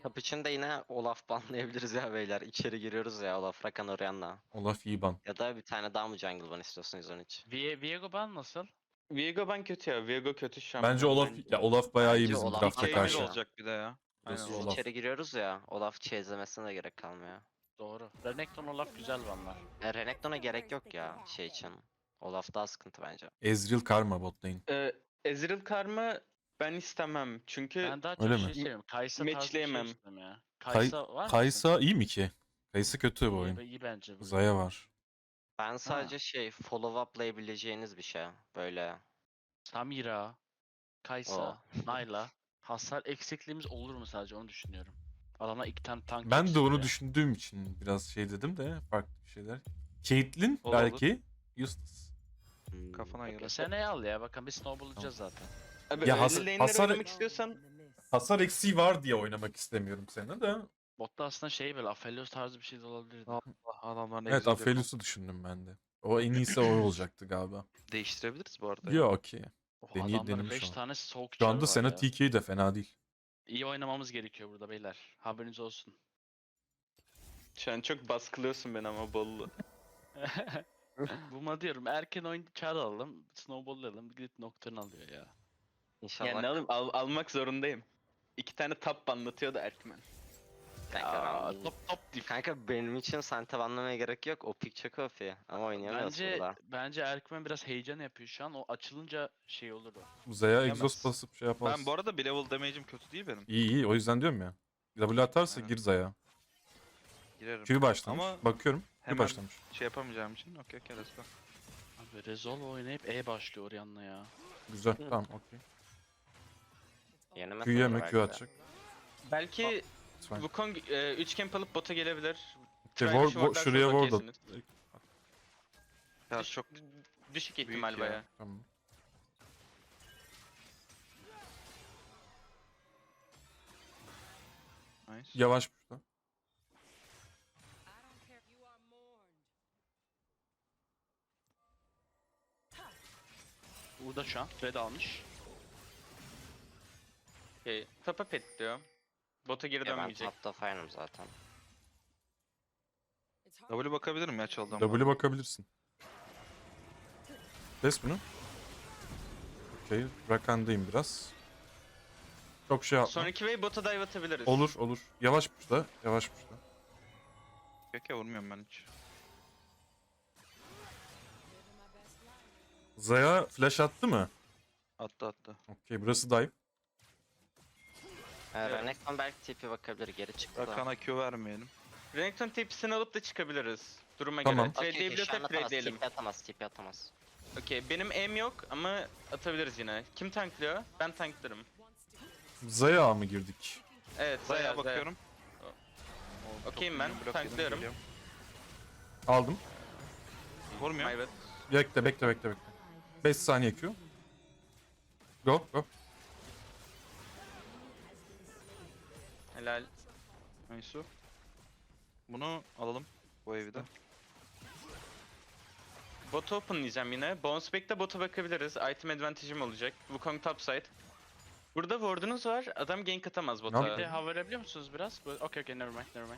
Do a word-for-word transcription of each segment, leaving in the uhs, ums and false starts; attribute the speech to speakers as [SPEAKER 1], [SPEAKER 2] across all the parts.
[SPEAKER 1] Top için de yine Olaf banlayabiliriz ya beyler. İçeri giriyoruz ya Olaf, Rakan, Orianna.
[SPEAKER 2] Olaf iyi ban.
[SPEAKER 1] Ya da bir tane daha mı jungle ban istiyorsun yüz on üç?
[SPEAKER 3] Vie- Viego ban nasıl?
[SPEAKER 4] Viego ben kötü ya. Viego kötü
[SPEAKER 2] Bence
[SPEAKER 4] şampiyon
[SPEAKER 2] Olaf
[SPEAKER 4] bence.
[SPEAKER 2] ya Olaf bayağı iyi
[SPEAKER 1] Bence
[SPEAKER 2] bizim
[SPEAKER 1] Olaf
[SPEAKER 2] drafta
[SPEAKER 1] daha
[SPEAKER 4] K bir
[SPEAKER 2] karşı.
[SPEAKER 1] iyi.
[SPEAKER 4] olacak bir de ya. Aynen
[SPEAKER 2] Burası
[SPEAKER 1] Biz
[SPEAKER 4] Olaf.
[SPEAKER 2] Olaf.
[SPEAKER 1] içeri giriyoruz ya, Olaf çeyizlemesine de gerek kalmıyor.
[SPEAKER 3] Doğru. Renekton Olaf güzel banlar.
[SPEAKER 1] E, Renekton'a gerek yok ya şey için. Olaf daha sıkıntı bence.
[SPEAKER 2] Ezreal Karma bot lane.
[SPEAKER 4] Ee, Ezreal Karma ben istemem. Çünkü
[SPEAKER 3] Ben daha
[SPEAKER 2] Öyle
[SPEAKER 3] çok
[SPEAKER 2] mi?
[SPEAKER 3] şey seviyorum. Kaysa tarzı bir şey
[SPEAKER 4] Matchleyemem.
[SPEAKER 3] istiyorum ya.
[SPEAKER 2] Kay
[SPEAKER 3] Kaysa var mı?
[SPEAKER 2] Kaysa iyi mi ki? Kaysa kötü bu
[SPEAKER 3] iyi,
[SPEAKER 2] oyun.
[SPEAKER 3] iyi bence bu.
[SPEAKER 2] Zaya var.
[SPEAKER 1] Ben sadece şey follow up'layabileceğiniz bir şey. Böyle
[SPEAKER 3] Samira, Kaysa, Nayla. Hasar eksikliğimiz olur mu sadece onu düşünüyorum. Adamlar iki tane tank
[SPEAKER 2] Ben de
[SPEAKER 3] yetiştiriyor.
[SPEAKER 2] onu düşündüğüm için biraz şey dedim de farklı bir şeyler. Caitlyn
[SPEAKER 5] Olur,
[SPEAKER 2] belki. Useless.
[SPEAKER 1] hmm,
[SPEAKER 5] Kafana göre.
[SPEAKER 3] Seneye al ya bakalım bir snowball'layacağız zaten.
[SPEAKER 4] Abi
[SPEAKER 2] Ya
[SPEAKER 4] öyle
[SPEAKER 2] has-
[SPEAKER 4] lane'leri
[SPEAKER 2] hasar-
[SPEAKER 4] oynamak istiyorsan
[SPEAKER 2] Hasar eksiği var diye oynamak istemiyorum seni de.
[SPEAKER 3] Botta aslında şey böyle Aphelios tarzı bir şey de olabilirdi.
[SPEAKER 5] Allah adamların
[SPEAKER 2] Evet
[SPEAKER 5] egzodu yok.
[SPEAKER 2] Aphelios'u düşündüm ben de. O en iyisi o olacaktı galiba.
[SPEAKER 5] Değiştirebiliriz bu arada.
[SPEAKER 2] Yok okey.
[SPEAKER 3] Oh,
[SPEAKER 2] deney-
[SPEAKER 3] adamların
[SPEAKER 2] denemiş
[SPEAKER 3] beş
[SPEAKER 2] o.
[SPEAKER 3] tane soğuk
[SPEAKER 2] Şu anda
[SPEAKER 3] var
[SPEAKER 2] Sena
[SPEAKER 3] ya.
[SPEAKER 2] T K de fena değil.
[SPEAKER 3] İyi oynamamız gerekiyor burada beyler. Haberiniz olsun.
[SPEAKER 4] şu an çok baskılıyorsun beni ama bollu.
[SPEAKER 3] Buma diyorum erken oyun çağrı alalım. Snowball'layalım. Gidip Nocturne alıyor ya.
[SPEAKER 1] İnşallah.
[SPEAKER 4] Yani ne alayım? Al- almak zorundayım. İki tane tap anlatıyordu Erkmen.
[SPEAKER 1] Kanka,
[SPEAKER 3] Aa,
[SPEAKER 1] ben-
[SPEAKER 3] top top dif.
[SPEAKER 1] Kanka benim için Sante banlamaya gerek yok. O pick çok O P. Ama oynayamıyoruz
[SPEAKER 3] Bence
[SPEAKER 1] burada.
[SPEAKER 3] bence Erkmen biraz heyecan yapıyor şu an. O açılınca şey olur o.
[SPEAKER 2] Zaya
[SPEAKER 5] Yemez.
[SPEAKER 2] exhaust basıp şey yaparsın.
[SPEAKER 5] Ben bu arada bir level damage'im kötü değil benim.
[SPEAKER 2] İyi iyi o yüzden diyorum ya. W atarsa
[SPEAKER 5] Aynen.
[SPEAKER 2] gir Zaya.
[SPEAKER 5] Girerim.
[SPEAKER 2] Q başlamış.
[SPEAKER 5] Ama
[SPEAKER 2] Bakıyorum. Q
[SPEAKER 5] hemen-
[SPEAKER 2] başlamış.
[SPEAKER 5] Şey yapamayacağım için okey okey let's go.
[SPEAKER 3] Abi Resolve oynayıp E başlıyor Orianna ya.
[SPEAKER 2] Güzel tamam okey.
[SPEAKER 1] Yeni
[SPEAKER 2] Q yeme Q atacak.
[SPEAKER 4] Belki
[SPEAKER 2] It's fine.
[SPEAKER 4] Wukong e, üç camp alıp bota gelebilir.
[SPEAKER 2] Okey,
[SPEAKER 4] Try
[SPEAKER 2] ward-
[SPEAKER 4] dışı
[SPEAKER 2] ward-
[SPEAKER 4] wardlarsanız
[SPEAKER 2] şuraya ward at.
[SPEAKER 4] okeysiniz.
[SPEAKER 5] Ya
[SPEAKER 4] Düş-
[SPEAKER 5] çok
[SPEAKER 4] Düşük
[SPEAKER 5] büyük
[SPEAKER 4] ihtimal
[SPEAKER 5] ya.
[SPEAKER 4] baya.
[SPEAKER 2] Tamam.
[SPEAKER 5] nice.
[SPEAKER 2] Yavaş burada.
[SPEAKER 3] Burada şu an. Red almış.
[SPEAKER 4] Okay. Tapa pet diyor. Bota geri
[SPEAKER 1] Ya ben
[SPEAKER 4] dönmeyecek.
[SPEAKER 1] topta fire'ım zaten.
[SPEAKER 5] W bakabilirim ya çaldım.
[SPEAKER 2] W bakabilirsin. Kes bunu. Okey. Rakan'dayım biraz. Çok şey yapma.
[SPEAKER 4] Sonraki wave bota dive atabiliriz.
[SPEAKER 2] Olur olur. Yavaş burada. Yavaş burada.
[SPEAKER 5] Okey okey vurmuyorum ben hiç.
[SPEAKER 2] Zaya flash attı mı?
[SPEAKER 5] Attı attı.
[SPEAKER 2] Okey burası dive.
[SPEAKER 1] Ee, Renekton belki T P bakabilir, geri çıktı da.
[SPEAKER 5] Rakan'a Q vermeyelim.
[SPEAKER 4] Renekton tepsisini alıp da çıkabiliriz. Duruma
[SPEAKER 2] Tamam.
[SPEAKER 4] göre.
[SPEAKER 1] Okey, okey, şu
[SPEAKER 4] Trade'leyebiliyorsak
[SPEAKER 1] an atamaz,
[SPEAKER 4] trade'leyelim.
[SPEAKER 1] T P atamaz, T P atamaz.
[SPEAKER 4] Okey benim aim yok ama atabiliriz yine. Kim tanklıyor? Ben tanklarım.
[SPEAKER 2] Zaya mı girdik?
[SPEAKER 4] Evet
[SPEAKER 5] Zaya
[SPEAKER 4] Zaya
[SPEAKER 5] bakıyorum.
[SPEAKER 4] Okeyim ben,
[SPEAKER 5] Blok yedim,
[SPEAKER 4] tanklıyorum.
[SPEAKER 5] geliyorum.
[SPEAKER 2] Aldım.
[SPEAKER 5] Vurmuyor.
[SPEAKER 4] Evet.
[SPEAKER 2] Bekle bekle bekle bekle. beş saniye Q. Go go.
[SPEAKER 4] Helal.
[SPEAKER 5] Nice. Bunu alalım. Bu evi de.
[SPEAKER 4] Bot open diyeceğim yine. Bounce back'te bota bakabiliriz. Item advantage'im olacak. Wukong topside. Burada ward'unuz var. Adam gank atamaz
[SPEAKER 2] Ne
[SPEAKER 4] bota.
[SPEAKER 3] Bir de
[SPEAKER 2] yaptın?
[SPEAKER 3] hava verebiliyor musunuz biraz? Bu- Okey okey never mind never mind.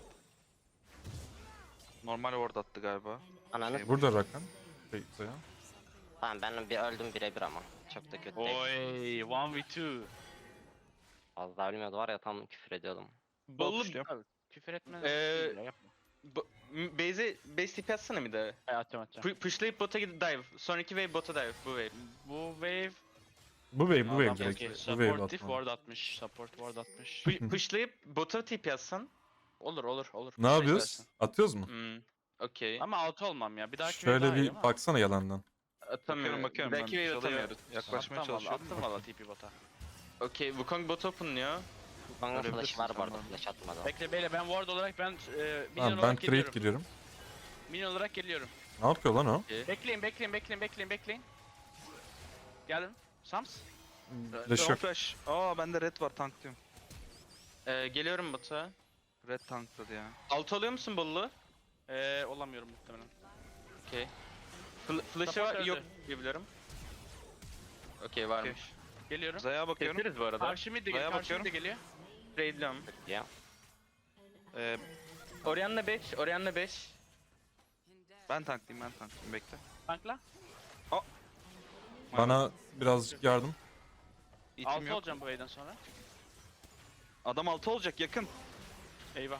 [SPEAKER 5] Normal ward attı galiba.
[SPEAKER 1] Ananı
[SPEAKER 5] Şey-
[SPEAKER 2] Burada Rakan. Şey, Zaya.
[SPEAKER 1] Tamam ben bir öldüm birebir ama. Çok da kötü değil.
[SPEAKER 3] Oy one v two.
[SPEAKER 1] Az daha ölmüyordu var ya, tam küfür ediyordum.
[SPEAKER 4] Bollu
[SPEAKER 5] Pushluyorum.
[SPEAKER 3] Küfür etme.
[SPEAKER 4] Ee,
[SPEAKER 3] Ee, yapma.
[SPEAKER 4] bo- m- base'e base tipi atsana bir de.
[SPEAKER 3] Ay, atacağım atacağım.
[SPEAKER 4] Pu- pushlayıp bota gidip dive. Sonraki wave bota dive. Bu wave.
[SPEAKER 3] Bu wave
[SPEAKER 2] Bu wave bu wave
[SPEAKER 3] Adam
[SPEAKER 2] direkt.
[SPEAKER 3] okey,
[SPEAKER 2] Bu wave
[SPEAKER 3] supportif
[SPEAKER 2] atma.
[SPEAKER 3] ward atmış. Support ward atmış.
[SPEAKER 4] Pu- pushlayıp bota tipi atsan.
[SPEAKER 3] olur olur olur.
[SPEAKER 2] Ne yapıyoruz? Atıyoruz mu?
[SPEAKER 4] Hmm. Okey.
[SPEAKER 3] Ama out olmam ya. Bir dahaki
[SPEAKER 2] Şöyle
[SPEAKER 3] daha iyi
[SPEAKER 2] bir
[SPEAKER 3] ama.
[SPEAKER 2] baksana yalandan.
[SPEAKER 4] Atamıyorum.
[SPEAKER 5] Bakıyorum bakıyorum ben.
[SPEAKER 4] Belki wave
[SPEAKER 5] Çalıya
[SPEAKER 4] atamıyoruz.
[SPEAKER 5] yaklaşmaya
[SPEAKER 3] Attım valla,
[SPEAKER 5] çalışıyorum.
[SPEAKER 3] attım valla T P bota.
[SPEAKER 4] Okey. Wukong bot open'lıyor.
[SPEAKER 1] Bana flash
[SPEAKER 5] Görebilirsin
[SPEAKER 1] var bu
[SPEAKER 5] sen
[SPEAKER 1] arada,
[SPEAKER 5] bana.
[SPEAKER 1] flash atmadı.
[SPEAKER 3] Bekle beyle ben ward olarak ben e, minion
[SPEAKER 2] Tamam ben
[SPEAKER 3] olarak
[SPEAKER 2] trade
[SPEAKER 3] geliyorum.
[SPEAKER 2] giriyorum.
[SPEAKER 3] Minion olarak geliyorum.
[SPEAKER 2] Ne yapıyor lan o?
[SPEAKER 4] Okey.
[SPEAKER 3] Bekleyin bekleyin bekleyin bekleyin bekleyin. Geldim. Sams.
[SPEAKER 2] Flash
[SPEAKER 5] Son
[SPEAKER 2] yok.
[SPEAKER 5] flash. Aa bende red var tank diyorum.
[SPEAKER 4] Ee, geliyorum bota.
[SPEAKER 5] Red tankladı ya.
[SPEAKER 4] Alt alıyor musun bollu?
[SPEAKER 3] Ee, olamıyorum muhtemelen.
[SPEAKER 4] Okey. Fl flash'ı
[SPEAKER 3] Support
[SPEAKER 4] var
[SPEAKER 3] öldü.
[SPEAKER 4] yok diyebilirim. Okey varmış.
[SPEAKER 3] Geliyorum.
[SPEAKER 5] Zaya bakıyorum.
[SPEAKER 4] Keseriz bu arada.
[SPEAKER 3] Karşı mid de
[SPEAKER 5] Zaya
[SPEAKER 3] geliyor. Karşı mid
[SPEAKER 5] bakıyorum.
[SPEAKER 3] de geliyor.
[SPEAKER 4] Trade'liyorum.
[SPEAKER 1] Ya.
[SPEAKER 5] Ee,
[SPEAKER 4] Orianna beş, Orianna beş.
[SPEAKER 5] ben tanklayayım ben tanklayayım bekle.
[SPEAKER 3] Tankla.
[SPEAKER 2] Bana birazcık yardım.
[SPEAKER 5] İtim
[SPEAKER 3] altı
[SPEAKER 5] yok.
[SPEAKER 3] olacağım bu wave'den sonra.
[SPEAKER 5] Adam altı olacak yakın.
[SPEAKER 3] Eyvah.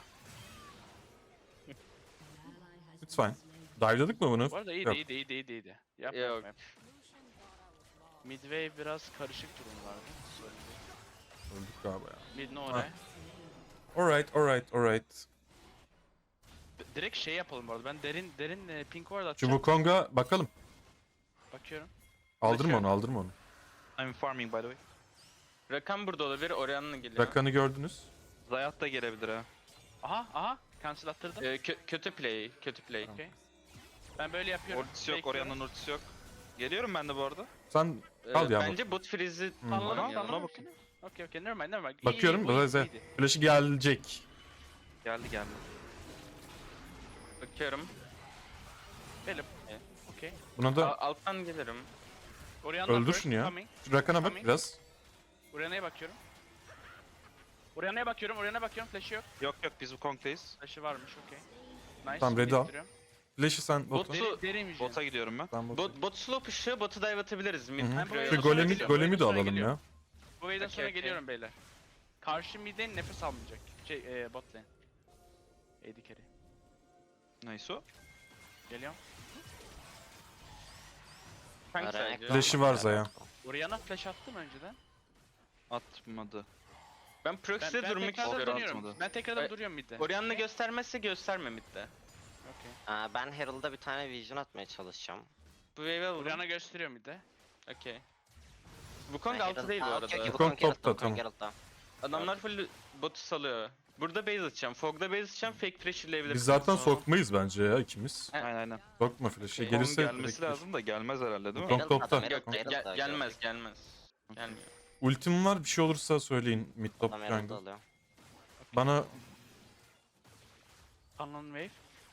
[SPEAKER 2] It's fine. Dive'ladık mı bunu?
[SPEAKER 3] Bu arada iyiydi
[SPEAKER 2] Yok.
[SPEAKER 3] iyiydi iyiydi iyiydi iyiydi. Yapma
[SPEAKER 4] Yok.
[SPEAKER 3] yapma. yapma. Midway biraz karışık durumlardı. Sorun değil.
[SPEAKER 2] Öldük galiba ya.
[SPEAKER 3] Mid ne oraya?
[SPEAKER 2] Alright, alright, alright.
[SPEAKER 3] D- Direkt şey yapalım bu arada. Ben derin derin e, pink ward
[SPEAKER 2] Şu
[SPEAKER 3] atacağım.
[SPEAKER 2] Wukong'a bakalım.
[SPEAKER 3] Bakıyorum.
[SPEAKER 2] Aldırma onu, aldırma onu.
[SPEAKER 5] I'm farming by the way.
[SPEAKER 4] Rakan burada olabilir, Orianna geliyor.
[SPEAKER 2] Rakan'ı gördünüz.
[SPEAKER 5] Zayat da gelebilir ha.
[SPEAKER 3] Aha aha. Cancel attırdım.
[SPEAKER 4] Ee, kö- kötü play, kötü play.
[SPEAKER 3] Okey. Ben böyle yapıyorum.
[SPEAKER 5] Ultisi yok,
[SPEAKER 3] Bekliyorum.
[SPEAKER 5] Orianna'nın ultisi yok. Geliyorum ben de bu arada.
[SPEAKER 2] Sen
[SPEAKER 4] Ee,
[SPEAKER 2] Kal ya,
[SPEAKER 4] bence bot freeze'i
[SPEAKER 2] Hmm.
[SPEAKER 3] Anladım
[SPEAKER 5] Ona-
[SPEAKER 3] tamam.
[SPEAKER 5] ona bakın.
[SPEAKER 3] Okey okey. Never mind never mind. İyi,
[SPEAKER 2] bakıyorum.
[SPEAKER 3] iyi, bu iyi,
[SPEAKER 2] Böyle
[SPEAKER 3] iyiydi.
[SPEAKER 2] flash'ı gelecek.
[SPEAKER 5] Geldi geldi.
[SPEAKER 4] bakıyorum.
[SPEAKER 3] Benim. Okey.
[SPEAKER 2] Buna da
[SPEAKER 4] Al- alttan gelirim.
[SPEAKER 3] Orianna
[SPEAKER 2] Öldür
[SPEAKER 3] first,
[SPEAKER 2] şunu ya.
[SPEAKER 3] coming.
[SPEAKER 2] şu Rakan'a bak
[SPEAKER 3] Coming.
[SPEAKER 2] biraz.
[SPEAKER 3] Orianna'ya bakıyorum. Orianna'ya bakıyorum. Orianna'ya bakıyorum. Flash'ı yok.
[SPEAKER 5] Yok yok biz bu Kong'dayız.
[SPEAKER 3] Flash'ı varmış. Okey. Nice.
[SPEAKER 2] Tamam, ready al.
[SPEAKER 3] biriktiriyorum.
[SPEAKER 2] Flash'ı sen bota.
[SPEAKER 4] Bot-
[SPEAKER 3] Derin, derin vision.
[SPEAKER 5] Bota gidiyorum ben.
[SPEAKER 2] Ben bota.
[SPEAKER 4] Bot, bot slow push'u, botu dive atabiliriz. Mid
[SPEAKER 2] Hı hı.
[SPEAKER 3] Ben bu
[SPEAKER 4] Pro'ya.
[SPEAKER 2] Şu
[SPEAKER 3] wave'den sonra
[SPEAKER 2] golemi,
[SPEAKER 3] geliyorum,
[SPEAKER 2] golemi de
[SPEAKER 3] wave'den sonra
[SPEAKER 2] alalım
[SPEAKER 3] geliyorum.
[SPEAKER 2] ya.
[SPEAKER 3] Bu wave'den
[SPEAKER 4] Okey,
[SPEAKER 3] sonra
[SPEAKER 4] okey.
[SPEAKER 3] geliyorum beyler. Karşı mid'den nefes almayacak. Şey e, bot lane. A D carry.
[SPEAKER 5] Nice o.
[SPEAKER 3] Geliyorum.
[SPEAKER 4] Tank
[SPEAKER 1] Renekton
[SPEAKER 4] sadece.
[SPEAKER 2] Flash'ı var Zaya.
[SPEAKER 3] Orianna flash attı mı önceden?
[SPEAKER 5] Atmadı.
[SPEAKER 4] Ben
[SPEAKER 3] Ben,
[SPEAKER 4] proxy'de
[SPEAKER 3] ben
[SPEAKER 4] durmak
[SPEAKER 3] tekrardan
[SPEAKER 4] istiyorum.
[SPEAKER 3] dönüyorum.
[SPEAKER 5] atmadı.
[SPEAKER 3] Ben tekrardan
[SPEAKER 4] E,
[SPEAKER 3] duruyorum mid'de.
[SPEAKER 4] Orianna göstermezse gösterme midde.
[SPEAKER 3] Okey.
[SPEAKER 1] Aa, ben Herald'a bir tane vision atmaya çalışacağım.
[SPEAKER 4] Bu wave'e alalım.
[SPEAKER 3] Orianna gösteriyor mid'de.
[SPEAKER 4] Okey. Wukong
[SPEAKER 1] Ben
[SPEAKER 4] altı
[SPEAKER 1] Herald-
[SPEAKER 4] değil bu
[SPEAKER 1] Aa,
[SPEAKER 4] arada.
[SPEAKER 1] okey, okey,
[SPEAKER 2] Wukong
[SPEAKER 1] Wukong
[SPEAKER 2] topta,
[SPEAKER 1] Herald'da,
[SPEAKER 2] tamam.
[SPEAKER 1] Wukong Herald'da.
[SPEAKER 4] Adamlar full botu salıyor. Burada base atacağım. Fog'da base atacağım. Fake pressure'layabilirim.
[SPEAKER 2] Biz zaten sokmayız bence ya ikimiz.
[SPEAKER 4] Ha.
[SPEAKER 5] Aynen aynen.
[SPEAKER 2] Sokma flash'ı.
[SPEAKER 4] Okey.
[SPEAKER 2] Gelirse
[SPEAKER 5] Gelirse gelmesi
[SPEAKER 2] direkt-
[SPEAKER 5] lazım da gelmez herhalde değil mi?
[SPEAKER 2] Wukong
[SPEAKER 1] Herald
[SPEAKER 2] topta.
[SPEAKER 1] adam, Herald
[SPEAKER 4] Yok,
[SPEAKER 1] da, Herald
[SPEAKER 4] gel-
[SPEAKER 1] da,
[SPEAKER 4] gelmez
[SPEAKER 1] Herald.
[SPEAKER 4] gelmez. Gelmiyor.
[SPEAKER 2] Ultim var, bir şey olursa söyleyin mid top
[SPEAKER 1] Adam Herald'da
[SPEAKER 2] jungle.
[SPEAKER 1] alıyor.
[SPEAKER 2] Bana
[SPEAKER 3] Canon wave.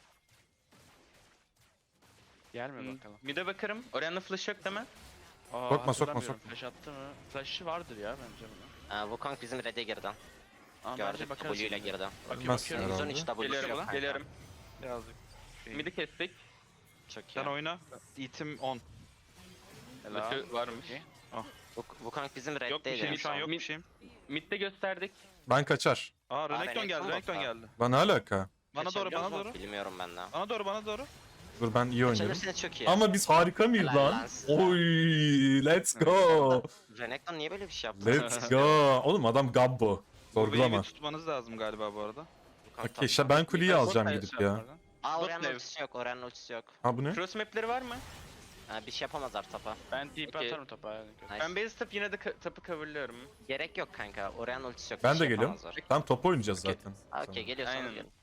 [SPEAKER 3] Gelme
[SPEAKER 4] Hmm,
[SPEAKER 3] bakalım.
[SPEAKER 4] Mid'e bakarım. Orianna flash yok deme.
[SPEAKER 3] Aa,
[SPEAKER 2] Sokma, sokma,
[SPEAKER 3] hatırlamıyorum.
[SPEAKER 2] sokma.
[SPEAKER 3] Flash attı mı? Flash'ı vardır ya bence bunun.
[SPEAKER 1] Aa, Wukong bizim red'e girdi.
[SPEAKER 3] Ama bence
[SPEAKER 1] Gördük
[SPEAKER 3] bakarız
[SPEAKER 1] W ile
[SPEAKER 3] şimdi.
[SPEAKER 1] girdi.
[SPEAKER 3] Bakayım
[SPEAKER 2] Bilmez
[SPEAKER 3] bakıyorum.
[SPEAKER 2] herhalde.
[SPEAKER 1] yüz on üç W'su
[SPEAKER 4] Geliyorum,
[SPEAKER 1] yok kanka.
[SPEAKER 4] geliyorum.
[SPEAKER 5] Birazcık. Şey.
[SPEAKER 4] Mid'i kestik.
[SPEAKER 1] Çok iyi.
[SPEAKER 5] Sen oyna. İtim on.
[SPEAKER 3] Helal.
[SPEAKER 4] Flaşı varmış.
[SPEAKER 3] Okey.
[SPEAKER 1] Wuk- Wukong bizim
[SPEAKER 5] Yok bir
[SPEAKER 1] red'deydi.
[SPEAKER 5] şeyim
[SPEAKER 1] en
[SPEAKER 5] şu an
[SPEAKER 1] son.
[SPEAKER 5] yok
[SPEAKER 4] Mid-
[SPEAKER 5] bir şeyim.
[SPEAKER 4] Mid'de gösterdik.
[SPEAKER 2] ben kaçar.
[SPEAKER 5] Aa Renekton
[SPEAKER 1] Renekton
[SPEAKER 5] geldi Renekton
[SPEAKER 1] botta.
[SPEAKER 5] geldi.
[SPEAKER 2] Bana alaka.
[SPEAKER 5] Bana doğru
[SPEAKER 3] Kaçabiliyor
[SPEAKER 5] bana
[SPEAKER 3] mu?
[SPEAKER 5] doğru.
[SPEAKER 1] Bilmiyorum ben de.
[SPEAKER 5] Bana doğru bana doğru.
[SPEAKER 2] Dur ben iyi oynuyorum.
[SPEAKER 1] Kaçabilirsiniz çok iyi.
[SPEAKER 2] Ama biz harika mıyız
[SPEAKER 1] Helal
[SPEAKER 2] lan?
[SPEAKER 1] lan size.
[SPEAKER 2] Oy, let's go.
[SPEAKER 1] Renekton niye böyle bir şey yaptı?
[SPEAKER 2] Let's go. Oğlum adam Gabbo.
[SPEAKER 5] Bu wave'i
[SPEAKER 2] Sorgulama.
[SPEAKER 5] tutmanız lazım galiba bu arada.
[SPEAKER 1] Wukong
[SPEAKER 2] Okey,
[SPEAKER 1] top.
[SPEAKER 2] işte ben kuleyi
[SPEAKER 4] Bot
[SPEAKER 2] alacağım
[SPEAKER 4] da
[SPEAKER 2] gidip
[SPEAKER 4] şey
[SPEAKER 2] ya.
[SPEAKER 4] yaparlar.
[SPEAKER 1] Aa,
[SPEAKER 4] Bot
[SPEAKER 1] Orianna
[SPEAKER 4] wave.
[SPEAKER 1] ultisi yok, Orianna ultisi yok.
[SPEAKER 2] Ha bu ne?
[SPEAKER 4] Cross map'leri var mı?
[SPEAKER 1] Ha, bir şey yapamazlar tapa.
[SPEAKER 3] Ben T P
[SPEAKER 4] Okey.
[SPEAKER 3] atarım topa. yani.
[SPEAKER 1] Nice.
[SPEAKER 4] Ben base tap yine de ka- tapı coverlıyorum.
[SPEAKER 1] Gerek yok kanka, Orianna ultisi yok.
[SPEAKER 2] Ben
[SPEAKER 1] bir
[SPEAKER 2] de
[SPEAKER 1] şey
[SPEAKER 2] geliyorum.
[SPEAKER 1] yapamazlar.
[SPEAKER 2] Tam top oynayacağız
[SPEAKER 4] Okey.
[SPEAKER 2] zaten.
[SPEAKER 1] Ha, okey, geliyorsanız
[SPEAKER 4] Aynen.
[SPEAKER 1] gelin.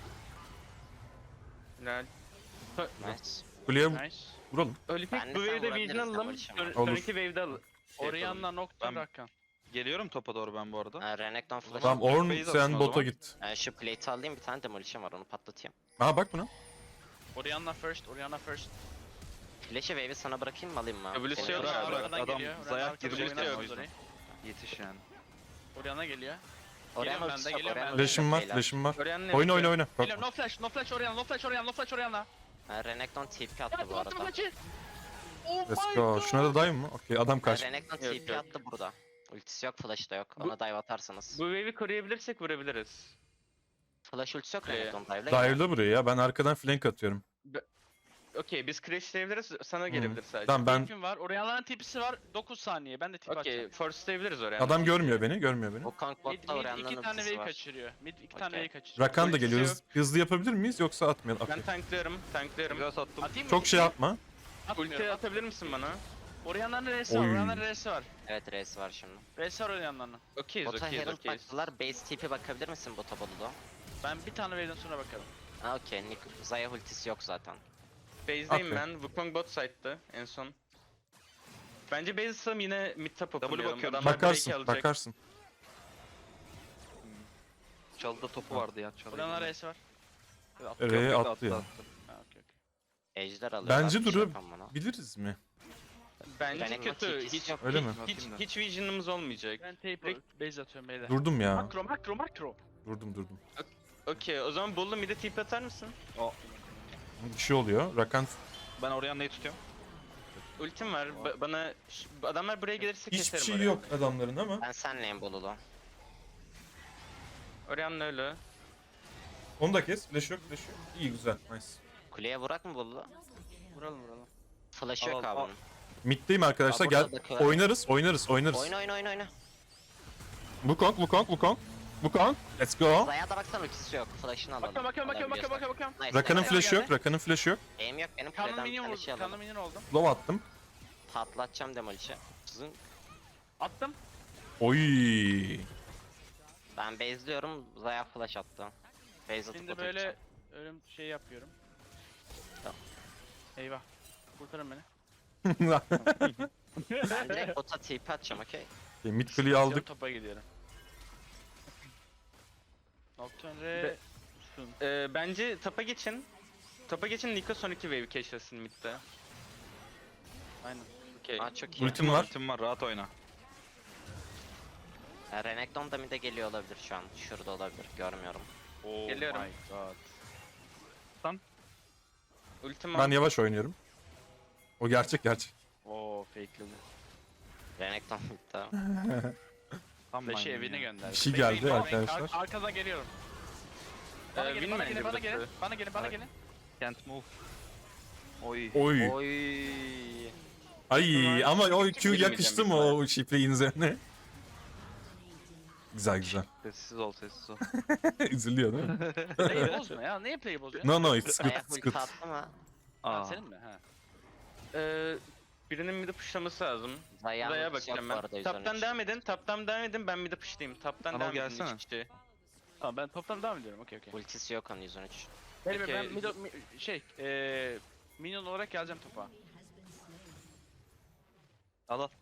[SPEAKER 4] Helal.
[SPEAKER 1] Nice.
[SPEAKER 2] Kuleye
[SPEAKER 3] Nice.
[SPEAKER 2] vuralım.
[SPEAKER 4] Olipik
[SPEAKER 1] Ben de
[SPEAKER 4] bu
[SPEAKER 1] sen
[SPEAKER 4] wave'de
[SPEAKER 1] vurabiliriz,
[SPEAKER 4] vision
[SPEAKER 1] sen
[SPEAKER 4] alalım.
[SPEAKER 1] vuruşun
[SPEAKER 4] Son-
[SPEAKER 1] var.
[SPEAKER 2] Olur.
[SPEAKER 4] Sonraki wave'de al.
[SPEAKER 3] Orianna Nocturne
[SPEAKER 5] Ben-
[SPEAKER 3] Rakan.
[SPEAKER 5] Geliyorum topa doğru ben bu arada.
[SPEAKER 1] Ha, Renekton flash.
[SPEAKER 2] Tamam Ornn
[SPEAKER 5] Base
[SPEAKER 2] sen
[SPEAKER 5] atın o
[SPEAKER 2] bota
[SPEAKER 5] zaman.
[SPEAKER 2] git.
[SPEAKER 1] Ha, şu plate'i alayım, bir tane demolition var, onu patlatayım.
[SPEAKER 2] Aa bak buna.
[SPEAKER 3] Orianna first. Orianna first.
[SPEAKER 1] Flash'ı wave'i sana bırakayım mı, alayım mı?
[SPEAKER 4] W'su
[SPEAKER 1] Senin
[SPEAKER 4] yok
[SPEAKER 1] için.
[SPEAKER 5] Bırak,
[SPEAKER 3] Orianna
[SPEAKER 5] bırak.
[SPEAKER 3] arkadan
[SPEAKER 5] Adam
[SPEAKER 3] geliyor. Orianna
[SPEAKER 5] Zayak
[SPEAKER 3] arkadan
[SPEAKER 5] girecek
[SPEAKER 3] oynamaz
[SPEAKER 5] ya o yüzden.
[SPEAKER 3] orayı.
[SPEAKER 5] Yetiş yani.
[SPEAKER 3] Orianna geliyor.
[SPEAKER 1] Orianna
[SPEAKER 3] Geliyorum ben
[SPEAKER 1] ultisi
[SPEAKER 3] de,
[SPEAKER 1] yok,
[SPEAKER 3] geliyorum
[SPEAKER 1] Orianna
[SPEAKER 3] ben de.
[SPEAKER 1] ultisi
[SPEAKER 2] Flash'ım
[SPEAKER 1] yok
[SPEAKER 2] var,
[SPEAKER 1] beyler.
[SPEAKER 2] flash'ım var.
[SPEAKER 4] Orianna
[SPEAKER 2] Oyna oyna oyna.
[SPEAKER 3] Geliyorum.
[SPEAKER 2] Korkma.
[SPEAKER 3] No flash. No flash Orianna. No flash Orianna. No flash Orianna.
[SPEAKER 1] Ha, Renekton T P
[SPEAKER 3] Ya
[SPEAKER 1] attı bu
[SPEAKER 3] attım
[SPEAKER 1] arada.
[SPEAKER 3] maçı. Oh
[SPEAKER 2] Let's
[SPEAKER 3] my
[SPEAKER 2] go.
[SPEAKER 3] god.
[SPEAKER 2] Şuna da dive mı? Okey adam
[SPEAKER 1] Ha,
[SPEAKER 2] kaç.
[SPEAKER 1] Renekton
[SPEAKER 4] Yok,
[SPEAKER 1] T P
[SPEAKER 4] yok.
[SPEAKER 1] attı burada. Ultisi yok, flash'ı da yok.
[SPEAKER 4] Bu-
[SPEAKER 1] Ona dive atarsanız.
[SPEAKER 4] Bu wave'i koruyabilirsek vurabiliriz.
[SPEAKER 1] Flash ultisi yok
[SPEAKER 4] Ee,
[SPEAKER 1] Renekton dive'la. gider.
[SPEAKER 2] Dive'la buraya ya. Ben arkadan flank atıyorum.
[SPEAKER 4] Okey biz crashlayabiliriz. Sana gelebilir sadece.
[SPEAKER 2] Tamam ben
[SPEAKER 3] Tipim var. Orianna'nın tipisi var. dokuz saniye. Ben de tip
[SPEAKER 4] Okey
[SPEAKER 3] atacağım.
[SPEAKER 4] forcelayabiliriz oraya.
[SPEAKER 2] adam görmüyor beni, görmüyor beni.
[SPEAKER 1] Wukong
[SPEAKER 3] Mid,
[SPEAKER 1] botta
[SPEAKER 3] mid
[SPEAKER 1] Orianna'nın
[SPEAKER 3] iki tane
[SPEAKER 1] ultisi
[SPEAKER 3] wave
[SPEAKER 1] var.
[SPEAKER 3] kaçırıyor. Mid iki tane
[SPEAKER 1] Okey.
[SPEAKER 3] wave kaçırıyor.
[SPEAKER 2] Rakan da
[SPEAKER 4] Ultisi
[SPEAKER 2] geliyor.
[SPEAKER 4] yok.
[SPEAKER 2] Hız- hızlı yapabilir miyiz yoksa atmayalım? Okey.
[SPEAKER 4] Ben tanklıyorum. Tanklıyorum.
[SPEAKER 5] Biraz attım.
[SPEAKER 3] Atayım mı?
[SPEAKER 2] Çok şey yapma.
[SPEAKER 3] Atmıyorum.
[SPEAKER 4] Ulti atabilir misin bana?
[SPEAKER 3] Orianna'nın R'si var.
[SPEAKER 2] Oy.
[SPEAKER 3] Orianna'nın R'si var.
[SPEAKER 1] Evet, R'si var şimdi.
[SPEAKER 3] R'si var Orianna'nın.
[SPEAKER 4] Okeyiz
[SPEAKER 1] Bota
[SPEAKER 4] okeyiz
[SPEAKER 1] Herald
[SPEAKER 4] okeyiz.
[SPEAKER 1] baktılar. Base T P bakabilir misin bota Bolu'da?
[SPEAKER 3] Ben bir tane wave'den sonra bakarım.
[SPEAKER 1] Ha, okey. Nick- Zaya ultisi yok zaten.
[SPEAKER 4] Base'deyim
[SPEAKER 2] Okey.
[SPEAKER 4] ben. Wukong bot side'dı en son. Bence base atsam yine mid top openlayalım.
[SPEAKER 5] bakıyorum.
[SPEAKER 4] Adamlar
[SPEAKER 2] Bakarsın,
[SPEAKER 4] break'i alacak.
[SPEAKER 2] bakarsın.
[SPEAKER 5] Çalıda topu vardı ya çalıda.
[SPEAKER 3] Orianna'nın R'si var. Yok,
[SPEAKER 2] R'ye
[SPEAKER 5] Yok, yok,
[SPEAKER 2] attı ya.
[SPEAKER 3] Ha, okey okey.
[SPEAKER 1] Ejder alıyorlar.
[SPEAKER 2] Bence
[SPEAKER 1] bir şey
[SPEAKER 2] duru
[SPEAKER 1] yapamam bana.
[SPEAKER 2] biliriz mi?
[SPEAKER 4] Bence
[SPEAKER 1] Renekton
[SPEAKER 4] kötü.
[SPEAKER 1] T P'si
[SPEAKER 4] Hiç,
[SPEAKER 1] yok.
[SPEAKER 2] Öyle mi?
[SPEAKER 4] hiç,
[SPEAKER 5] Bakayım da.
[SPEAKER 4] hiç vision'ımız olmayacak.
[SPEAKER 3] Ben tape base atıyorum beyler.
[SPEAKER 2] Durdum ya.
[SPEAKER 3] Makro makro makro.
[SPEAKER 2] Durdum durdum.
[SPEAKER 4] Okey, o zaman Bollu mid'e tip atar mısın?
[SPEAKER 2] Bir şey oluyor. Rakan
[SPEAKER 5] Ben Orianna'yı tutuyorum.
[SPEAKER 4] Ultim var. Ba- bana ş- adamlar buraya gelirse
[SPEAKER 2] hiçbir
[SPEAKER 4] keserim
[SPEAKER 2] şey
[SPEAKER 4] orayı.
[SPEAKER 2] yok adamların ama.
[SPEAKER 1] Ben senleyim Bolulu.
[SPEAKER 4] Orianna öyle.
[SPEAKER 2] Onu da kes. Flash yok, flash yok. İyi, güzel. Nice.
[SPEAKER 1] Kuleye vurak mı Bolulu?
[SPEAKER 3] Vuralım vuralım.
[SPEAKER 1] Flash
[SPEAKER 5] Al,
[SPEAKER 1] yok
[SPEAKER 5] al,
[SPEAKER 1] abi
[SPEAKER 5] al.
[SPEAKER 1] bunun.
[SPEAKER 2] Mid'deyim arkadaşlar.
[SPEAKER 1] Aa,
[SPEAKER 2] Gel.
[SPEAKER 1] burada da kör.
[SPEAKER 2] Oynarız, oynarız, oynarız.
[SPEAKER 1] Oyna oyna oyna oyna.
[SPEAKER 2] Wukong, Wukong, Wukong. Wukong. Let's go.
[SPEAKER 1] Zaya da baksana ultisi yok. Flash'ını alalım.
[SPEAKER 3] Bakıyorum bakıyorum bakıyorum bakıyorum bakıyorum. bakıyorum.
[SPEAKER 1] Nice,
[SPEAKER 2] Rakan'ın
[SPEAKER 1] nice.
[SPEAKER 2] flash'ı
[SPEAKER 3] geldi.
[SPEAKER 2] yok, Rakan'ın flash'ı yok.
[SPEAKER 1] Aim yok benim
[SPEAKER 3] Kanlı
[SPEAKER 1] kuleden bir
[SPEAKER 3] minyon
[SPEAKER 1] tane
[SPEAKER 3] vurdum.
[SPEAKER 1] şey
[SPEAKER 3] Kanlı
[SPEAKER 1] alalım.
[SPEAKER 3] minyon oldum.
[SPEAKER 2] Low attım.
[SPEAKER 1] Patlatacağım demolişi. Zın.
[SPEAKER 3] Attım.
[SPEAKER 2] Oy.
[SPEAKER 1] Ben base'liyorum. Zaya flash attı. Base atıp
[SPEAKER 3] Şimdi
[SPEAKER 1] bota
[SPEAKER 3] böyle
[SPEAKER 1] gideceğim.
[SPEAKER 3] ölüm şey yapıyorum.
[SPEAKER 1] Tamam.
[SPEAKER 3] Eyvah. Kurtarın beni.
[SPEAKER 1] Ben direkt bota T P atacağım okey.
[SPEAKER 2] Okay, mid kuleyi aldık.
[SPEAKER 3] Topa gidiyorum. Nocturne
[SPEAKER 4] Be-
[SPEAKER 3] Re... Sun.
[SPEAKER 4] Ee, bence tapa geçin. Tapa geçin, Niko son iki wave keşfetsin mid'de.
[SPEAKER 3] Aynen.
[SPEAKER 4] Okey.
[SPEAKER 1] Aa çok iyi.
[SPEAKER 2] Ultim var.
[SPEAKER 5] Ultim var, rahat oyna.
[SPEAKER 1] Ya, Renekton da mid'e geliyor olabilir şu an. Şurada olabilir. Görmüyorum.
[SPEAKER 5] Oh
[SPEAKER 4] Geliyorum.
[SPEAKER 5] my god.
[SPEAKER 4] Ultim
[SPEAKER 2] Ben
[SPEAKER 4] var.
[SPEAKER 2] yavaş oynuyorum. O gerçek gerçek.
[SPEAKER 3] Oo fakeledi.
[SPEAKER 1] Renekton mid'de.
[SPEAKER 5] Tam
[SPEAKER 3] Flash'ı
[SPEAKER 5] ben
[SPEAKER 3] evine
[SPEAKER 5] ya.
[SPEAKER 3] gönderdi.
[SPEAKER 2] Bir şey
[SPEAKER 3] Bekleyin,
[SPEAKER 2] geldi
[SPEAKER 3] bekleyin.
[SPEAKER 2] arkadaşlar.
[SPEAKER 3] Ar- arkadan geliyorum. Bana
[SPEAKER 4] Ee,
[SPEAKER 3] gelin,
[SPEAKER 4] win
[SPEAKER 3] bana
[SPEAKER 4] bence
[SPEAKER 3] gelin, bana gelin.
[SPEAKER 4] burası.
[SPEAKER 3] Bana gelin, bana
[SPEAKER 5] Evet.
[SPEAKER 3] gelin.
[SPEAKER 5] Can't move. Oy.
[SPEAKER 2] Oy.
[SPEAKER 1] Oy.
[SPEAKER 2] Ay ama o Q
[SPEAKER 4] Girmeyeceğim
[SPEAKER 2] yakıştı mı
[SPEAKER 4] büyük ihtimalle.
[SPEAKER 2] o şifreyin üzerine? Güzel güzel.
[SPEAKER 5] Sessiz ol, sessiz ol.
[SPEAKER 2] Üzülüyor değil mi?
[SPEAKER 3] Play'i bozma ya. Niye play'i bozuyorsun?
[SPEAKER 2] No no it's good
[SPEAKER 1] Zaya
[SPEAKER 2] it's
[SPEAKER 1] ulti
[SPEAKER 2] good.
[SPEAKER 1] attı mı?
[SPEAKER 3] Ha,
[SPEAKER 5] Aa.
[SPEAKER 3] senin mi? Ha.
[SPEAKER 4] Ee, birinin mid'e pushlaması lazım.
[SPEAKER 1] Zaya'nın
[SPEAKER 4] Zaya
[SPEAKER 1] ultisi yok
[SPEAKER 4] bakacağım
[SPEAKER 1] bu
[SPEAKER 4] ben.
[SPEAKER 1] arada yüz on
[SPEAKER 4] Taptan
[SPEAKER 1] üç.
[SPEAKER 4] devam edin, taptan devam edin, ben mid'e pushlayayım. Taptan
[SPEAKER 5] Anıl
[SPEAKER 4] devam edin
[SPEAKER 5] gelsene.
[SPEAKER 4] iki kişi.
[SPEAKER 3] Tamam ben toptan devam ediyorum. Okey okey.
[SPEAKER 1] Ultisi yok onun yüz on üç.
[SPEAKER 3] Benim
[SPEAKER 4] Okey.
[SPEAKER 3] ben mido, mi, şey eee minyon olarak geleceğim topa.
[SPEAKER 5] Al al.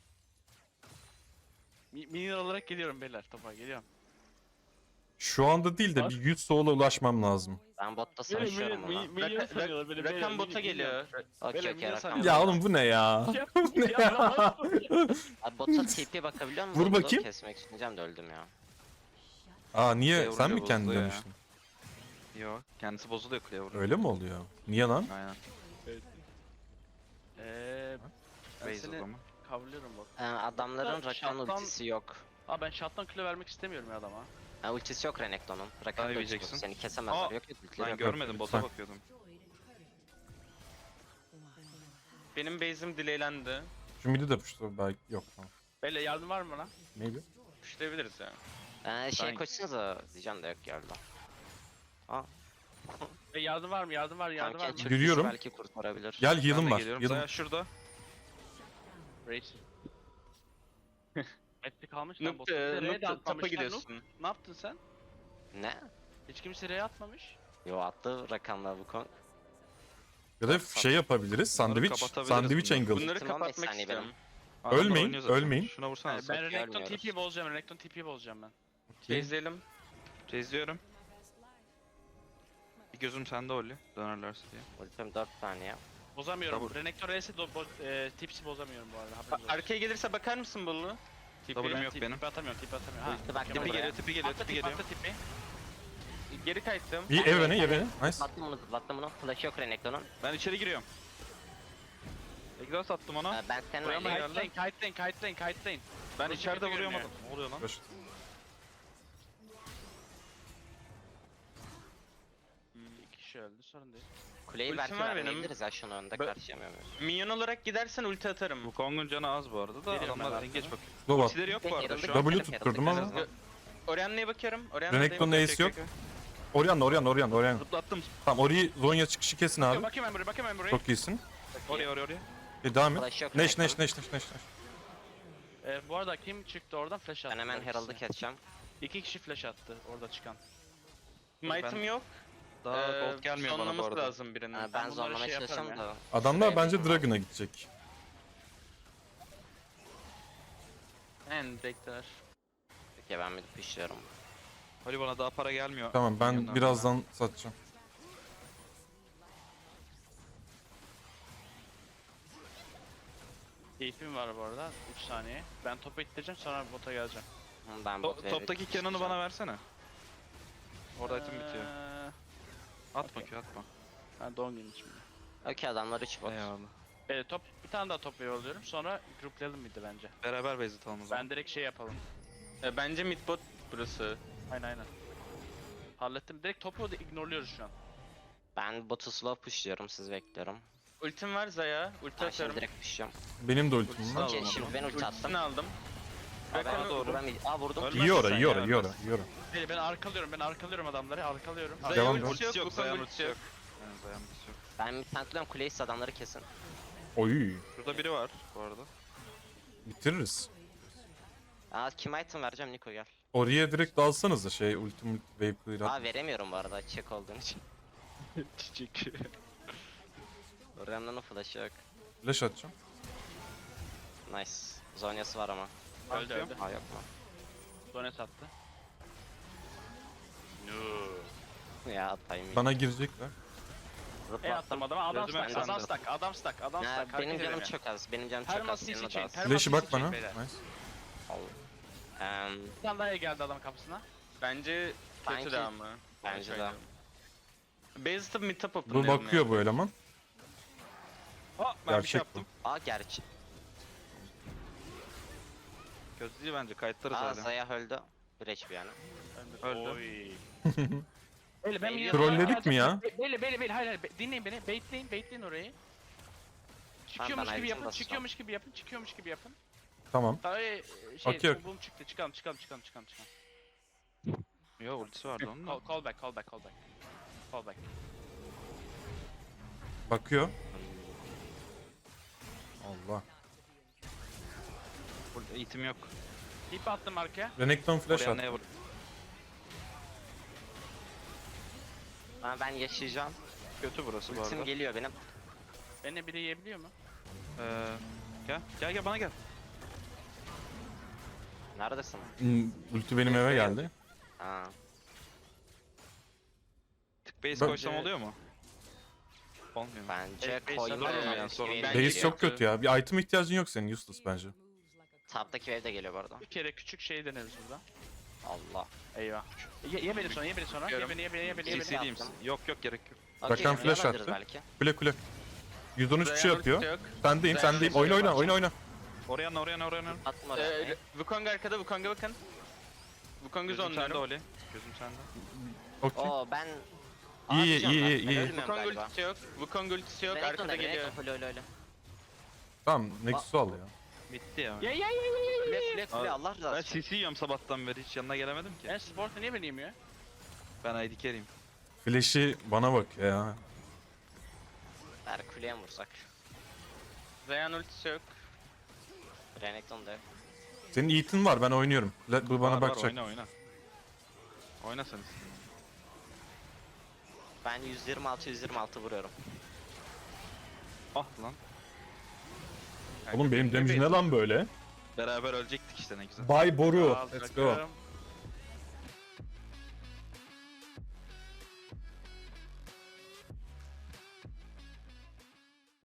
[SPEAKER 3] Mi, minyon olarak geliyorum beyler topa geliyorum.
[SPEAKER 2] Şu anda değil de
[SPEAKER 3] Var.
[SPEAKER 2] bir yüz soğula ulaşmam lazım.
[SPEAKER 1] Ben botta savaşıyorum ona.
[SPEAKER 3] minyon
[SPEAKER 4] Raka-
[SPEAKER 3] sanıyorlar beni. beyler,
[SPEAKER 4] Rakan
[SPEAKER 3] minyon-
[SPEAKER 4] bota geliyor.
[SPEAKER 1] Okey
[SPEAKER 3] Beyler,
[SPEAKER 1] okey
[SPEAKER 3] minyon
[SPEAKER 1] rakam.
[SPEAKER 3] sanıyorum.
[SPEAKER 2] Ya oğlum bu ne ya?
[SPEAKER 3] Ya,
[SPEAKER 2] Bu ne
[SPEAKER 3] ya,
[SPEAKER 2] ya?
[SPEAKER 1] Abi bota T P bakabiliyor musun?
[SPEAKER 2] Vur
[SPEAKER 1] Bolulu?
[SPEAKER 2] bakayım.
[SPEAKER 1] Kesmek isteyeceğim de öldüm ya.
[SPEAKER 2] Aa niye?
[SPEAKER 5] Kuleye
[SPEAKER 2] Sen mi
[SPEAKER 5] vurunca
[SPEAKER 2] kendin
[SPEAKER 5] bozuluyor ya.
[SPEAKER 2] demiştin?
[SPEAKER 5] Yok, kendisi bozuluyor kuleye vuruyor.
[SPEAKER 2] Öyle mi oluyor? Niye lan?
[SPEAKER 5] Aynen.
[SPEAKER 3] Eee ben
[SPEAKER 5] Base o
[SPEAKER 3] seni
[SPEAKER 5] zaman.
[SPEAKER 3] kavluyorum bak.
[SPEAKER 1] Ee, adamların
[SPEAKER 3] Hatta
[SPEAKER 1] Rakan
[SPEAKER 3] şarttan-
[SPEAKER 1] ultisi yok.
[SPEAKER 3] Aa ben shot'tan kilo vermek istemiyorum ya adama.
[SPEAKER 1] Ha, ultisi yok Renekton'un. Rakan da ultisi yok.
[SPEAKER 5] yiyeceksin.
[SPEAKER 1] Seni kesemezler.
[SPEAKER 5] Aa,
[SPEAKER 1] Yok yok ultileri
[SPEAKER 5] Ben
[SPEAKER 1] yok.
[SPEAKER 5] görmedim, bota
[SPEAKER 2] Lütfen.
[SPEAKER 5] bakıyordum.
[SPEAKER 4] Benim base'im delaylendi.
[SPEAKER 2] Şu midi de puştu belki yok tamam.
[SPEAKER 3] Beyler yardım var mı bana?
[SPEAKER 2] Maybe.
[SPEAKER 4] Pushlayabiliriz ya.
[SPEAKER 1] Ee, şey
[SPEAKER 5] Ben-
[SPEAKER 1] koşsanıza diyeceğim de yok geldi.
[SPEAKER 3] E, yardım var mı? Yardım var, yardım var
[SPEAKER 1] Kanka
[SPEAKER 3] mı?
[SPEAKER 1] çıktı
[SPEAKER 2] Yürüyorum.
[SPEAKER 1] belki kurtarabilir.
[SPEAKER 2] Gel
[SPEAKER 5] Ben
[SPEAKER 2] heal'ım
[SPEAKER 5] de
[SPEAKER 2] var.
[SPEAKER 5] geliyorum.
[SPEAKER 2] Heal'ım.
[SPEAKER 5] Zaya şurada.
[SPEAKER 3] Race. Metri kalmış lan
[SPEAKER 4] Noob,
[SPEAKER 3] botta.
[SPEAKER 4] e,
[SPEAKER 3] Bize R'ye
[SPEAKER 4] Noob
[SPEAKER 3] de
[SPEAKER 4] tapa
[SPEAKER 3] atmamışlar, Noob.
[SPEAKER 4] gidiyorsun.
[SPEAKER 3] Ne yaptın sen?
[SPEAKER 1] Ne?
[SPEAKER 3] Hiç kimse R'ye atmamış.
[SPEAKER 1] Yo attı Rakan'la bu konu.
[SPEAKER 2] Ya da şey yapabiliriz. Sandviç.
[SPEAKER 5] kapatabiliriz
[SPEAKER 2] Sandviç
[SPEAKER 5] bunları.
[SPEAKER 2] angle.
[SPEAKER 4] Bunları
[SPEAKER 1] Ultim on beş
[SPEAKER 4] kapatmak
[SPEAKER 1] saniye
[SPEAKER 4] istiyorum.
[SPEAKER 5] Adamlar
[SPEAKER 2] Ölmeyin,
[SPEAKER 5] oynuyor zaten.
[SPEAKER 2] ölmeyin.
[SPEAKER 5] Şuna vursana.
[SPEAKER 3] Ben
[SPEAKER 5] Ben...
[SPEAKER 3] Renekton
[SPEAKER 1] görmüyoruz.
[SPEAKER 3] T P'yi bozacağım, Renekton T P'yi bozacağım ben.
[SPEAKER 4] Base'leyelim.
[SPEAKER 5] Çiziyorum. Bir gözüm sende Oli. Dönerlerse diye.
[SPEAKER 1] Ultim dört saniye.
[SPEAKER 3] Bozamıyorum.
[SPEAKER 5] Double.
[SPEAKER 3] Renekton R'si do- bo- e, tipsi bozamıyorum bu arada.
[SPEAKER 4] A-
[SPEAKER 3] haberiniz olsun.
[SPEAKER 4] Arkaya gelirse bakar mısın Bollu?
[SPEAKER 5] W'm
[SPEAKER 3] Ben
[SPEAKER 5] yok
[SPEAKER 3] tip-
[SPEAKER 5] benim.
[SPEAKER 3] Tipi atamıyorum, tipi atamıyorum. Ha,
[SPEAKER 1] Ulti bak,
[SPEAKER 3] okey,
[SPEAKER 1] tipi
[SPEAKER 5] Tipi
[SPEAKER 1] buraya.
[SPEAKER 5] geliyor, tipi geliyor,
[SPEAKER 3] Atla
[SPEAKER 5] tipi
[SPEAKER 3] tipi,
[SPEAKER 5] geliyor.
[SPEAKER 3] atla tipi.
[SPEAKER 4] Geri kayıttım.
[SPEAKER 2] İyi
[SPEAKER 1] Ben
[SPEAKER 2] evene
[SPEAKER 1] de-
[SPEAKER 2] evene. Nice.
[SPEAKER 1] Zıplattım bunu zıplattım bunu. Flash yok Renekton'un.
[SPEAKER 5] Ben içeri giriyorum. Exhaust attım ona.
[SPEAKER 1] Ee, ben senin
[SPEAKER 5] Buraya mı
[SPEAKER 1] oynayayım.
[SPEAKER 5] geldi?
[SPEAKER 3] Kite'layın, kite'layın, kite'layın, kite'layın.
[SPEAKER 5] Ben
[SPEAKER 3] Burası
[SPEAKER 5] içeride
[SPEAKER 3] kötü
[SPEAKER 5] vuruyorum
[SPEAKER 3] görünüyor.
[SPEAKER 5] adam. Ne oluyor lan?
[SPEAKER 2] Baş-
[SPEAKER 3] İki kişi öldü, sorun değil.
[SPEAKER 1] Kuleyi
[SPEAKER 4] Ultim
[SPEAKER 1] belki
[SPEAKER 4] var benim.
[SPEAKER 1] vermeyebiliriz ya şunu önde
[SPEAKER 4] Ben-
[SPEAKER 1] karşılayamıyor muyuz?
[SPEAKER 4] Minyon olarak gidersen ulti atarım.
[SPEAKER 5] Bu Kong'un canı az bu arada da
[SPEAKER 3] Geliyorum ben
[SPEAKER 5] adamlar
[SPEAKER 3] arkana.
[SPEAKER 5] engeç bakıyor.
[SPEAKER 2] Slow at.
[SPEAKER 5] Ultileri yok bu arada
[SPEAKER 1] Herald'ı
[SPEAKER 5] şu an.
[SPEAKER 2] W
[SPEAKER 1] keselim,
[SPEAKER 2] tutturdum
[SPEAKER 1] Herald'ı
[SPEAKER 2] ama.
[SPEAKER 1] keselim.
[SPEAKER 4] Orianna'ya bakıyorum. Orianna'ya
[SPEAKER 2] Renekton'un
[SPEAKER 4] bakıyorum.
[SPEAKER 2] ace yok. Orianna Orianna Orianna Orianna.
[SPEAKER 5] Zıplattım.
[SPEAKER 2] Tamam Ori'yi Zonya çıkışı kesin abi.
[SPEAKER 3] Bakayım ben buraya, bakayım ben buraya.
[SPEAKER 2] Çok iyisin.
[SPEAKER 5] Oraya oraya oraya.
[SPEAKER 2] E, devam et.
[SPEAKER 1] Flash yok
[SPEAKER 2] Neş neş
[SPEAKER 1] Renekton'un.
[SPEAKER 2] neş neş neş. neş.
[SPEAKER 3] Ee, bu arada kim çıktı oradan flash attı.
[SPEAKER 1] Ben hemen
[SPEAKER 3] ikisi.
[SPEAKER 1] Herald'ı keseceğim.
[SPEAKER 3] İki kişi flash attı orada çıkan.
[SPEAKER 4] Might'ım yok.
[SPEAKER 5] Daha
[SPEAKER 4] Ee,
[SPEAKER 5] gold gelmiyor bana bu
[SPEAKER 4] sonlaması
[SPEAKER 5] arada.
[SPEAKER 4] lazım birinin.
[SPEAKER 1] Ha,
[SPEAKER 3] Ben
[SPEAKER 1] ben
[SPEAKER 3] bunları
[SPEAKER 1] zorlamaya
[SPEAKER 3] şey yaparım
[SPEAKER 1] çalışacağım
[SPEAKER 3] ya.
[SPEAKER 1] da.
[SPEAKER 2] Adamlar
[SPEAKER 1] Şuraya
[SPEAKER 2] bence
[SPEAKER 1] yapayım abi.
[SPEAKER 2] Dragon'a gidecek.
[SPEAKER 4] En bekler.
[SPEAKER 1] Peki ben bir pişiyorum.
[SPEAKER 5] Ali bana daha para gelmiyor.
[SPEAKER 2] Tamam ben
[SPEAKER 5] Milyonlar
[SPEAKER 2] birazdan satacağım.
[SPEAKER 3] Keyfim var bu arada. üç saniye. Ben topu ittireceğim sonra bota geleceğim.
[SPEAKER 1] Hı, Ben
[SPEAKER 5] To-
[SPEAKER 1] bot
[SPEAKER 5] toptaki Cannon'ı bana versene. Orada item
[SPEAKER 3] Ee,
[SPEAKER 5] Atma Q atma.
[SPEAKER 3] Ben doğum günüm şimdi.
[SPEAKER 1] Okey adamlar üç bot.
[SPEAKER 5] Eyvallah.
[SPEAKER 3] Ee, top, bir tane daha top wave alıyorum. Sonra gruplayalım mıydı bence?
[SPEAKER 5] Beraber base atalım o zaman.
[SPEAKER 3] Ben direkt şey yapalım.
[SPEAKER 4] E, bence mid bot burası.
[SPEAKER 3] Aynen aynen. Hallettim. Direkt topu da ignorluyoruz şu an.
[SPEAKER 1] Ben botu slow pushluyorum siz bekliyorum.
[SPEAKER 4] Ultim var Zaya. Ulti
[SPEAKER 1] Ben şimdi
[SPEAKER 4] atıyorum.
[SPEAKER 1] direkt pushluyorum.
[SPEAKER 2] Benim de ultim
[SPEAKER 5] Ultisini
[SPEAKER 2] var.
[SPEAKER 5] al.
[SPEAKER 1] Okey
[SPEAKER 5] Aldım
[SPEAKER 1] şimdi
[SPEAKER 5] onu.
[SPEAKER 1] ben ulti attım.
[SPEAKER 4] Ultisini aldım.
[SPEAKER 1] Aa, ben
[SPEAKER 4] Rakan'ı-
[SPEAKER 5] doğru.
[SPEAKER 1] vuram- Aa vurdum.
[SPEAKER 5] Ölmez.
[SPEAKER 2] İyi ora,
[SPEAKER 5] sen
[SPEAKER 2] iyi ora,
[SPEAKER 5] ya,
[SPEAKER 2] iyi ora,
[SPEAKER 5] ölmez.
[SPEAKER 2] iyi ora.
[SPEAKER 3] Beyler ben arkalıyorum, ben arkalıyorum adamları, arkalıyorum.
[SPEAKER 4] Zaya
[SPEAKER 2] Devam,
[SPEAKER 4] ultisi
[SPEAKER 5] Ultisi yok,
[SPEAKER 4] yok,
[SPEAKER 5] Zayan
[SPEAKER 4] Wukong
[SPEAKER 5] ultisi
[SPEAKER 4] ultisi
[SPEAKER 5] yok.
[SPEAKER 4] yok.
[SPEAKER 5] Yani Zayan ultisi yok.
[SPEAKER 1] Ben bir tentliyorum kuleyi siz adamları kesin.
[SPEAKER 2] Oy.
[SPEAKER 5] Şurada biri var bu arada.
[SPEAKER 2] Bitiririz.
[SPEAKER 1] Aa kime item vereceğim Niko gel.
[SPEAKER 2] Oraya direkt dalsanız da şey ultim wave clear
[SPEAKER 1] Aa
[SPEAKER 2] at.
[SPEAKER 1] veremiyorum bu arada çek olduğun için.
[SPEAKER 3] Çiçek.
[SPEAKER 1] Remnan'ın flash'ı yok.
[SPEAKER 2] Flash atacağım.
[SPEAKER 1] Nice. Zonyası var ama.
[SPEAKER 3] Öldü öldü.
[SPEAKER 1] Aa yok mu?
[SPEAKER 3] Done sattı.
[SPEAKER 1] Ya timing.
[SPEAKER 2] Bana girecekler.
[SPEAKER 3] E
[SPEAKER 1] Zıplattım.
[SPEAKER 3] attım adama, adam
[SPEAKER 5] Gözüme
[SPEAKER 3] stack, adam
[SPEAKER 5] çarptı.
[SPEAKER 3] stack, adam stack, adam
[SPEAKER 1] Ya,
[SPEAKER 3] stack.
[SPEAKER 1] benim
[SPEAKER 3] hareket
[SPEAKER 1] canım
[SPEAKER 3] edemiyor.
[SPEAKER 1] çok az. Benim canım çok az.
[SPEAKER 3] Perma C C
[SPEAKER 1] Senin de
[SPEAKER 3] chain,
[SPEAKER 1] az.
[SPEAKER 3] perma
[SPEAKER 2] Flash'ı
[SPEAKER 3] C C
[SPEAKER 2] bak
[SPEAKER 3] chain
[SPEAKER 2] bana.
[SPEAKER 3] beyler.
[SPEAKER 2] Nice.
[SPEAKER 1] Eee,
[SPEAKER 3] Bir tane daha geldi adamın kapısına.
[SPEAKER 4] Bence kötü
[SPEAKER 1] Sanki-
[SPEAKER 4] de ama.
[SPEAKER 1] Bence de.
[SPEAKER 4] Base atıp mid top
[SPEAKER 2] Bu
[SPEAKER 4] openlayalım
[SPEAKER 2] bakıyor
[SPEAKER 4] ya.
[SPEAKER 2] bu eleman.
[SPEAKER 5] Aa ben bir şey
[SPEAKER 2] Gerçek bu.
[SPEAKER 5] yaptım.
[SPEAKER 1] Aa gerçi.
[SPEAKER 5] Kötü değil bence kayıtlarız
[SPEAKER 1] Aa
[SPEAKER 5] hala.
[SPEAKER 1] Zaya öldü. Bir H P yani.
[SPEAKER 5] Öldü.
[SPEAKER 3] Oy. Beyler ben
[SPEAKER 1] Beyler-
[SPEAKER 2] Trolledik mi ya?
[SPEAKER 3] Beyler beyler beyler hayır hayır be- dinleyin beni, baitleyin baitleyin orayı. Çıkıyormuş
[SPEAKER 1] ben
[SPEAKER 3] gibi
[SPEAKER 1] item
[SPEAKER 3] yapın,
[SPEAKER 1] basacağım.
[SPEAKER 3] çıkıyormuş gibi yapın, çıkıyormuş gibi yapın.
[SPEAKER 2] Tamam.
[SPEAKER 3] Tabii e, şey,
[SPEAKER 2] Okey,
[SPEAKER 3] bu boom çıktı, çıkalım çıkalım çıkalım çıkalım çıkalım.
[SPEAKER 5] Yo ultisi vardı onun da.
[SPEAKER 3] Call, call back, call back, call back. Call back.
[SPEAKER 2] Bakıyor. Allah.
[SPEAKER 5] Burada eğitim yok.
[SPEAKER 3] İp attım arkaya.
[SPEAKER 2] Renekton flash
[SPEAKER 5] Oraya
[SPEAKER 2] at.
[SPEAKER 5] neye vur?
[SPEAKER 1] Aa, ben yaşayacağım.
[SPEAKER 5] Kötü burası bu
[SPEAKER 1] Ultim
[SPEAKER 5] arada.
[SPEAKER 1] geliyor benim.
[SPEAKER 3] Beni biri yiyebiliyor mu?
[SPEAKER 5] Ee, gel gel gel bana gel.
[SPEAKER 1] Neredesin?
[SPEAKER 2] Hmm, ulti benim eve geldi.
[SPEAKER 1] Aa.
[SPEAKER 5] Tık base
[SPEAKER 2] Ben-
[SPEAKER 5] koysam oluyor mu? Olmuyor mu?
[SPEAKER 1] Bence
[SPEAKER 3] Evet, base
[SPEAKER 1] koyma.
[SPEAKER 5] atıyorum
[SPEAKER 1] yani.
[SPEAKER 5] yani, sorun
[SPEAKER 1] Wave
[SPEAKER 5] değil.
[SPEAKER 4] Bence
[SPEAKER 2] Base çok
[SPEAKER 4] kötü.
[SPEAKER 2] kötü ya. Bir item ihtiyacın yok senin useless bence.
[SPEAKER 1] Top'taki wave de geliyor bu arada.
[SPEAKER 3] Bir kere küçük şey deneriz burada.
[SPEAKER 1] Allah.
[SPEAKER 3] Eyvah. Ye, ye beni sonra, ye beni sonra. Ye
[SPEAKER 4] Biliyorum.
[SPEAKER 3] beni, ye beni, ye beni, ye
[SPEAKER 1] C
[SPEAKER 3] beni.
[SPEAKER 1] C
[SPEAKER 5] C C diyeyim
[SPEAKER 1] yaptım.
[SPEAKER 5] misin? Yok yok gerek yok.
[SPEAKER 1] Okey,
[SPEAKER 2] Rakan flash
[SPEAKER 1] oynayabiliriz
[SPEAKER 2] attı.
[SPEAKER 1] belki.
[SPEAKER 2] Kule kule. yüz on üç bir şey
[SPEAKER 4] Zayan
[SPEAKER 2] yapıyor.
[SPEAKER 4] ultisi yok.
[SPEAKER 2] Sendeyim
[SPEAKER 4] Zayan
[SPEAKER 2] sendeyim.
[SPEAKER 4] ultisi
[SPEAKER 2] Oyna
[SPEAKER 4] yok,
[SPEAKER 2] oyna
[SPEAKER 4] bak.
[SPEAKER 2] oyna oyna.
[SPEAKER 5] Oraya ne oraya ne oraya ne?
[SPEAKER 1] Attım oraya.
[SPEAKER 4] Ee, Wukong arkada, Wukong'a bakın. Wukong'u
[SPEAKER 5] Gözüm sende
[SPEAKER 4] zonluyorum.
[SPEAKER 5] Oli. Gözüm sende.
[SPEAKER 2] Okey.
[SPEAKER 1] Oo ben...
[SPEAKER 2] İyi,
[SPEAKER 1] Atacağım
[SPEAKER 2] iyi,
[SPEAKER 1] ben.
[SPEAKER 2] iyi,
[SPEAKER 1] Ben
[SPEAKER 2] iyi.
[SPEAKER 1] ölmüyorum
[SPEAKER 4] Wukong
[SPEAKER 1] galiba.
[SPEAKER 4] ultisi yok. Wukong ultisi yok.
[SPEAKER 1] Renekton
[SPEAKER 4] Arkada
[SPEAKER 1] da
[SPEAKER 4] geliyor.
[SPEAKER 1] Renekton öyle öyle öyle.
[SPEAKER 2] Tamam Nexus'u al ya.
[SPEAKER 5] Bitti ya.
[SPEAKER 3] Ye ye ye ye ye
[SPEAKER 1] Kule
[SPEAKER 3] ye.
[SPEAKER 1] kule kule
[SPEAKER 5] Abi,
[SPEAKER 1] Allah
[SPEAKER 5] Ben
[SPEAKER 1] razı olsun.
[SPEAKER 5] C C yiyorum sabahtan beri hiç yanına gelemedim ki.
[SPEAKER 3] Ben sporta niye beni yemiyor?
[SPEAKER 5] Ben I D carry'im.
[SPEAKER 2] Flash'i bana bak ya.
[SPEAKER 1] Ver kuleye mi vursak?
[SPEAKER 4] Zayan ultisi yok.
[SPEAKER 1] Renekton da yok.
[SPEAKER 2] Senin Ethan var ben oynuyorum. La- Bu bana
[SPEAKER 5] Var, var,
[SPEAKER 2] bakacak.
[SPEAKER 5] oyna oyna. Oyna sen istediğin.
[SPEAKER 1] Ben yüz yirmi altı yüz yirmi altı vuruyorum.
[SPEAKER 5] Ah lan.
[SPEAKER 2] Oğlum benim damage ne lan böyle?
[SPEAKER 5] Beraber ölecektik işte ne güzel.
[SPEAKER 2] Bay Boru.
[SPEAKER 3] Al,
[SPEAKER 2] Let's go.
[SPEAKER 3] bırakıyorum.